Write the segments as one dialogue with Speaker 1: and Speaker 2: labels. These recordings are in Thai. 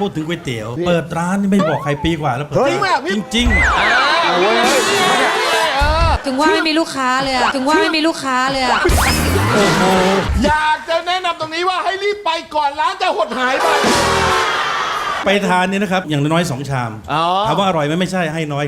Speaker 1: พูดถึงก๋วยเตี๋ยวเปิดร้านนี่ไม่บอกใครปีกว่าแล้วเปิดจริง
Speaker 2: ถึงว่าไม่มีลูกค้าเลยอะถึงว่าไม่มีลูกค้าเลยอะ
Speaker 1: โอ้โห
Speaker 3: อยากจะแนะนำตรงนี้ว่าให้รีบไปก่อนร้านจะหดหายไป
Speaker 1: ทานนี่นะครับอย่างน้อย2 ชามถามว่าอร่อยไหมไม่ใช่ให้น้อย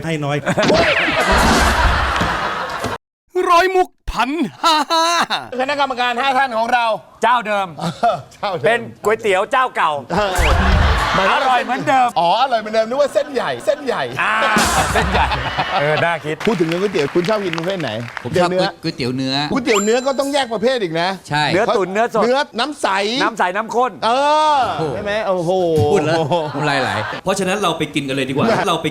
Speaker 4: ร้อยมุกพันห้า
Speaker 3: คณะกรรมการ5 ท่านของเรา
Speaker 4: เจ้าเดิมเป็นก๋วยเตี๋ยวเจ้าเก่าอร่อยเหมือนเดิม
Speaker 3: อ๋ออร่อยเหมือนเดิมนึกว่าเส้นใหญ่เส้นใหญ่
Speaker 4: น่าคิด
Speaker 3: พูดถึงเรื่องก๋วยเตี๋ยวคุณชอบกินประเภทไหน
Speaker 5: ผมชอบก๋วยเตี๋ยวเนื้อ
Speaker 3: ก๋วยเตี๋ยวเนื้อก็ต้องแยกประเภทอีกนะ
Speaker 5: ใช่
Speaker 4: เนื้อตุ๋นเนื้อสด
Speaker 3: เนื้อน้ำใส
Speaker 4: น้ำข้น
Speaker 3: ใช่ไหมโอ้โห
Speaker 5: พูดแล้วน้ำลายไหลเพราะฉะนั้นเราไปกินกันเลยดีกว่า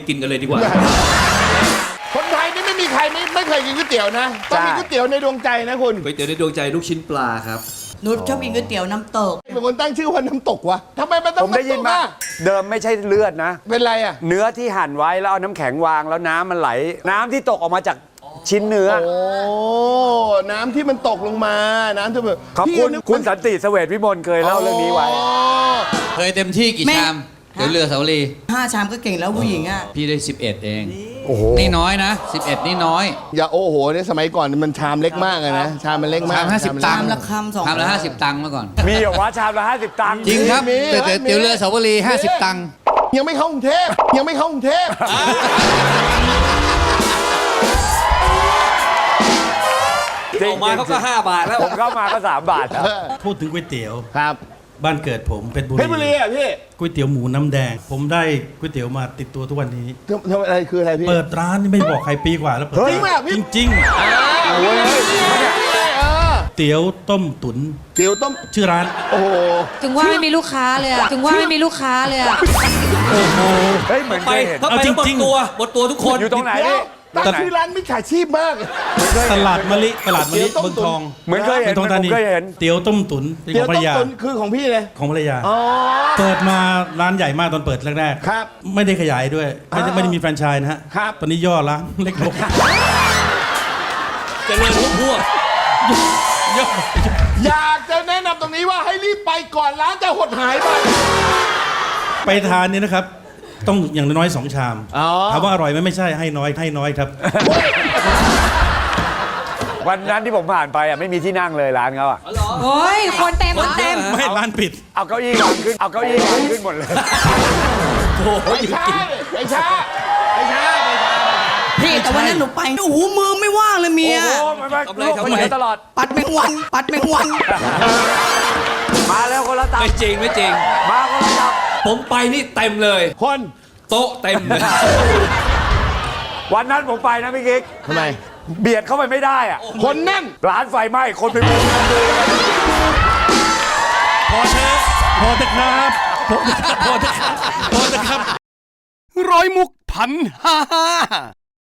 Speaker 3: คนไทยนี่ไม่มีใครไม่เคยกินก๋วยเตี๋ยวนะต้องมีก๋วยเตี๋ยวในดวงใจนะคุณ
Speaker 5: ก๋วยเตี๋ยวในดวงใจลูกชิ้นปลาครับ
Speaker 6: หนูชอบกินก๋วยเตี๋ยวน้ำตก
Speaker 3: เป็นคนตั้งชื่อว่าน้ำตกวะทำไมมันต้อง
Speaker 4: ผมได้ยินมาเดิมไม่ใช่เลือดนะ
Speaker 3: เป็นไรอะ
Speaker 4: เนื้อที่หั่นไว้แล้วเอาน้ำแข็งวางแล้วน้ำมันไหลน้ำที่ตกออกมาจากชิ้นเนื้อ
Speaker 3: โอ้น้ำที่มันตกลงมาน้ำที่แบบ
Speaker 4: คุณสันติเสวตวิมลเคยเล่าเรื่องนี้ไว้
Speaker 5: เคยเต็มที่กี่ชามเดี๋ยวเรือเสาลี
Speaker 6: 5 ชามก็เก่งแล้วผู้หญิงอ่ะ
Speaker 5: พี่ได้11เองโอ้โหนี่น้อยนะ11นี่น้อย
Speaker 3: อย่าโอ้โหเนี่ยสมัยก่อนมันชามเล็กมากเลยนะชามมันเล็กมาก
Speaker 5: ชาม50 ตังค์
Speaker 6: ละคำ2
Speaker 5: ชามละ50 ตังค์เมื่อก่อน
Speaker 4: มีเหรอวะชามละ50 ตังค์
Speaker 5: จริงครับแต่เตี๋ยวเรือเสาวลี50 ตังค์
Speaker 3: ยังไม่เข้ากรุงเทพ
Speaker 5: ออกมาเขาก็5 บาทแล้ว
Speaker 4: ผมเข้ามาก็3 บาท
Speaker 1: พูดถึงก๋วยเตี๋ยว
Speaker 3: ครับ
Speaker 1: บ้านเกิดผมเพชรบุรี
Speaker 3: อ่ะพี่
Speaker 1: ก๋วยเตี๋ยวหมูน้ำแดงผมได้ก๋วยเตี๋ยวมาติดตัวทุกวันนี้
Speaker 3: ทำอะไรคืออะไรพี่
Speaker 1: เปิดร้านนี่ไม่บอกใครปีกว่าแล้วเปิดจริงเตี๋ยวต้มตุ๋นชื่อร้าน
Speaker 3: โอ้โห
Speaker 2: ถึงว่าไม่มีลูกค้าเลยอะถึงว่าไม่มีลูกค้าเลยอะ
Speaker 1: โอ้โห
Speaker 4: เฮ้ยเหมือนเคยเห็น
Speaker 5: เอาจริงหมดตัวทุกคน
Speaker 4: อยู่ตรงไหนพี่
Speaker 3: แต่ชื่อร้านมิจฉาชีพมาก
Speaker 1: ตลาดมะลิเมืองทอง
Speaker 4: เหมือนเคยเห็น
Speaker 1: เตี๋ยวต้มตุ๋นเป็นของภรรยา
Speaker 3: คือของพี่เลย
Speaker 1: ของภรรยาเปิดมาร้านใหญ่มากตอนเปิดแรกๆไม่ได้ขยายด้วยไม่ได้มีแฟรนไชส์นะฮะตอนนี้ย่อร้านเล็กลง
Speaker 5: จะเรียนพวก
Speaker 3: อยากจะแนะนำตรงนี้ว่าให้รีบไปก่อนร้านจะหดหาย
Speaker 1: ไปทานนี่นะครับต้องอย่างน้อย2 ชามถามว่าอร่อยไหมไม่ใช่ให้น้อยครับ
Speaker 4: วันนั้นที่ผมผ่านไปอ่ะไม่มีที่นั่งเลยร้านเขาอ่ะ
Speaker 2: โอ้ยคนเต็ม
Speaker 1: ไม่ร้านปิด
Speaker 4: เอาเก้าอี้วางขึ้นหมดเลย
Speaker 3: ไม่ใช่
Speaker 6: พี่แต่วันนั้นหนูไปโอ้โหมือไม่ว่างเลยเมีย
Speaker 4: โอ้โหไม่ตลอด
Speaker 6: ปัดแมงวัน
Speaker 4: มาแล้วคนละตับ
Speaker 5: ไม่จริง
Speaker 4: มาคนละตับ
Speaker 5: ผมไปนี่เต็มเลย
Speaker 3: คน
Speaker 5: โต๊ะเต็มเลย
Speaker 4: วันนั้นผมไปนะพี่กิ๊ก
Speaker 3: ทำไม
Speaker 4: เบียดเข้าไปไม่ได้อ่ะ
Speaker 3: คนแน่น
Speaker 4: ร้านไฟไหม้คนไปมุงดู
Speaker 1: พอเถอะครับ
Speaker 4: ร้อยมุกพันห้า